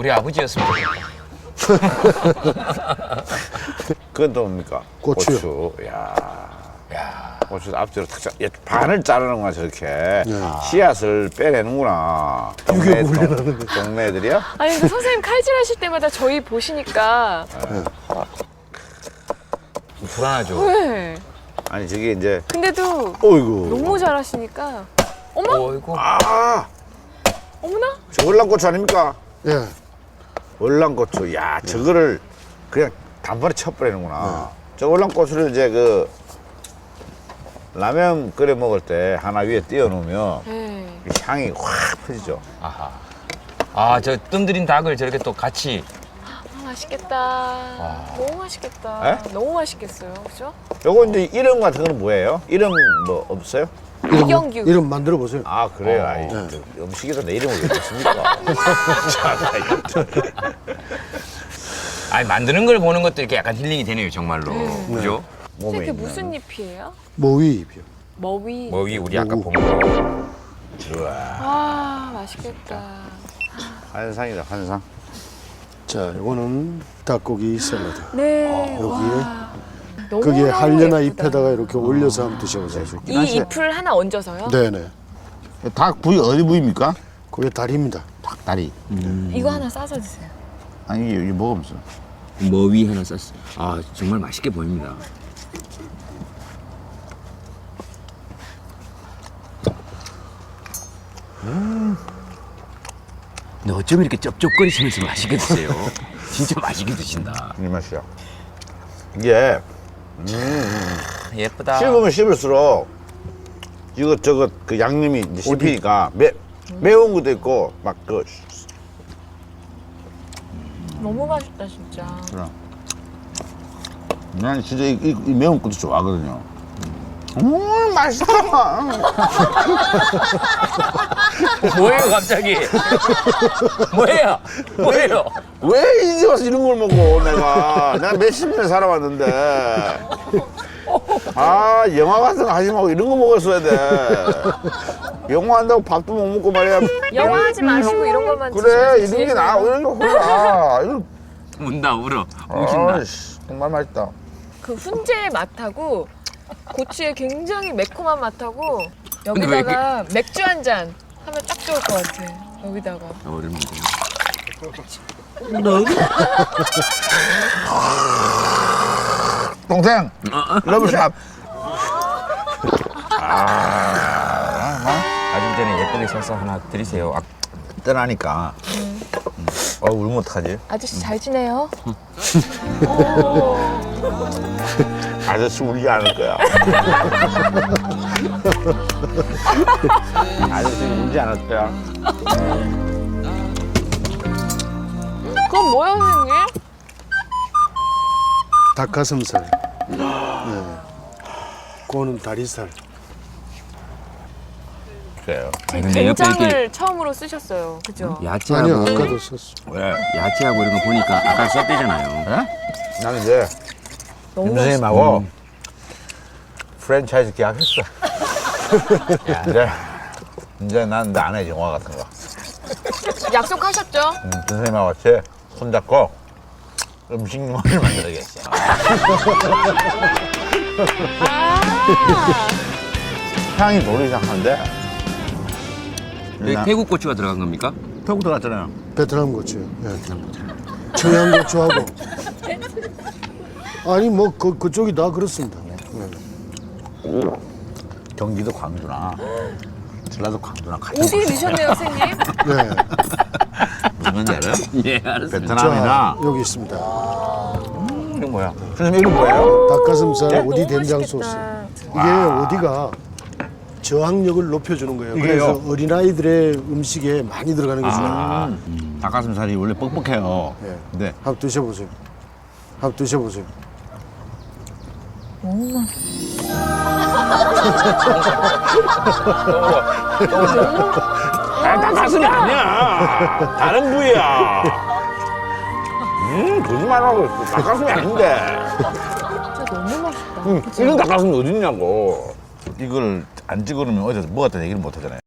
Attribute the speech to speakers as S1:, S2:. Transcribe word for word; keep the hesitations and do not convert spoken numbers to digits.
S1: 우리 아버지였으면 좋겠다.
S2: 그건 또 뭡니까?
S3: 고추요.
S2: 고추. 야,
S1: 야,
S2: 고추 앞뒤로 탁 자, 얘 반을 자르는구나 저렇게.
S3: 네.
S2: 씨앗을 빼내는구나. 동네, 동, 동네 애들이야?
S4: 아니 근데 선생님 칼질하실 때마다 저희 보시니까
S1: 불안하죠.
S4: 왜?
S2: 아니 저게 이제.
S4: 근데도
S2: 어이구.
S4: 너무 잘하시니까 어머?
S1: 어이구.
S2: 아,
S4: 어머나?
S2: 저 월남고추 아닙니까?
S3: 예.
S2: 월남고추. 야, 저거를 그냥 단번에 쳐버리는구나. 저 월남고추를 이제 그 라면 끓여 먹을 때 하나 위에 띄워놓으면
S4: 네.
S2: 이 향이 확 퍼지죠.
S1: 아하. 아, 저 뜸들인 닭을 저렇게 또 같이.
S4: 아, 맛있겠다. 너무 맛있겠다.
S2: 에?
S4: 너무 맛있겠어요, 그죠?
S2: 요거 이제 이름 같은 거는 뭐예요? 이름 뭐 없어요?
S4: 이경규.
S3: 이름 만들어 보세요.
S2: 아 그래요?
S1: 어.
S2: 아이,
S3: 네.
S2: 저 음식에다 내 이름을 왜 넣습니까? 참,
S1: 아니, 만드는 걸 보는 것도 이렇게 약간 힐링이 되네요, 정말로.
S4: 네.
S1: 그죠?
S2: 몸에
S4: 이게
S2: 있는.
S4: 무슨 잎이에요?
S3: 모위잎이요.
S4: 머위.
S1: 뭐 위 우리 아까
S3: 오.
S1: 본 거.
S2: 우와,
S4: 아, 맛있겠다.
S2: 환상이다 환상.
S3: 자, 이거는 닭고기 샐러드.
S4: 네.
S3: 여기에
S4: 와. 너무
S3: 거기에
S4: 너무
S3: 한려나
S4: 예쁘다.
S3: 잎에다가 이렇게 올려서 한번 드셔보세요.
S4: 이 잎을 하나 얹어서요?
S3: 네네.
S2: 닭 부위 어디 부위입니까?
S3: 그게 다리입니다.
S2: 닭다리.
S4: 이거 하나 싸서 드세요.
S2: 아니 이게, 이게 먹으면서.
S1: 머위 하나 쌌어요. 아, 정말 맛있게 보입니다. 음. 근데 어쩜 이렇게 쩝쩝거리시면서 맛있게 드세요? 진짜 맛있게 드신다.
S2: 이 맛이야. 이게
S1: 예쁘다.
S2: 씹으면 씹을수록 이것 저것 그 양념이 이제 씹히니까 매 매운 것도 있고 막 그.
S4: 너무 맛있다, 진짜.
S2: 난 진짜 이, 이, 이 매운 것도 좋아하거든요. 음 맛있다.
S1: 뭐예요, 갑자기? 뭐예요? 뭐예요?
S2: 왜 이제 와서 이런 걸 먹어 내가. 내가 몇십 년 살아왔는데. 아 영화 같은 거 하지 말고 이런 거 먹었어야 돼. 영화 한다고 밥도 못 먹고 말이야.
S4: 영화 하지 마시고 이런 것만
S2: 그래
S4: 드시면
S2: 이런 게 나아. 이런 게 홀라. 이런.
S1: 운다, 울어. 우신다.
S2: 아이씨, 정말 맛있다.
S4: 그 훈제의 맛하고 고추의 굉장히 매콤한 맛하고
S1: 근데 왜
S4: 여기다가 맥주 한 잔 하면 딱 좋을 것 같아. 여기다가.
S1: 어렵네.
S2: 동생 러브샷.
S1: 가실 때는 예쁘게 써서 하나 드리세요. 아,
S2: 떠나니까. 음. 어 울면 어떡하지?
S4: 아저씨 잘 지내요?
S2: 아저씨 울지 않을 거야. 아저씨 울지 않을 거야.
S4: 그건 뭐야, 선생님?
S3: 닭가슴살. 네. 그거는 다리살.
S2: 그래요.
S1: 아니, 근데 옆에
S4: 된장을
S1: 이렇게
S4: 처음으로 쓰셨어요. 그죠?
S1: 야채하고
S3: 아니요, 아까도 썼어.
S2: 왜?
S1: 야채하고 이런 거 보니까 아까 썼대잖아요.
S2: 예? 나는 이제
S4: 너무
S2: 김
S4: 맛있어.
S2: 선생님하고 프랜차이즈 계약했어. 야, 이제 이제 난 내 아내 영화 같은 거.
S4: 약속하셨죠?
S2: 음, 선생님하고 같이 손잡고 음식 영화를 만들어야겠어.
S4: 아,
S2: 향이 돌기 시작하는데.
S1: 여기 태국 고추가 들어간 겁니까?
S2: 태국 들어갔잖아요.
S3: 베트남 고추요. 예. 청양 고추하고. 아니 뭐 그 그쪽이 다 그렇습니다. 네.
S2: 경기도 광주나 전라도 광주나 같이
S4: 어디 넣으셨네요, 선생님?
S3: 네.
S2: 무슨 건지 알아요?
S1: 예, 알았어요.
S2: 베트남이나
S3: 자, 여기 있습니다.
S2: 이거 뭐야? 선생님 이거 뭐예요?
S3: 닭가슴살
S4: 네?
S3: 오디
S4: 너무
S3: 된장
S4: 맛있겠다.
S3: 소스. 이게 오디가 저항력을 높여주는 거예요.
S2: 이게요?
S3: 그래서 어린아이들의 음식에 많이 들어가는 게 좋아요.
S2: 아, 닭가슴살이 원래 뻑뻑해요.
S3: 네.
S2: 근데
S3: 한번 드셔보세요. 한번 드셔보세요.
S4: 너무 맛있어.
S2: 아, 닭가슴이 아니야. 다른 부위야. 음, 거짓말하고 있어. 닭가슴이 아닌데.
S4: 진짜 너무 맛있다.
S2: 음, 이런 닭가슴이 어딨냐고. 이걸 안 찍어놓으면 어디서 먹었다는 얘기를 못 하잖아요.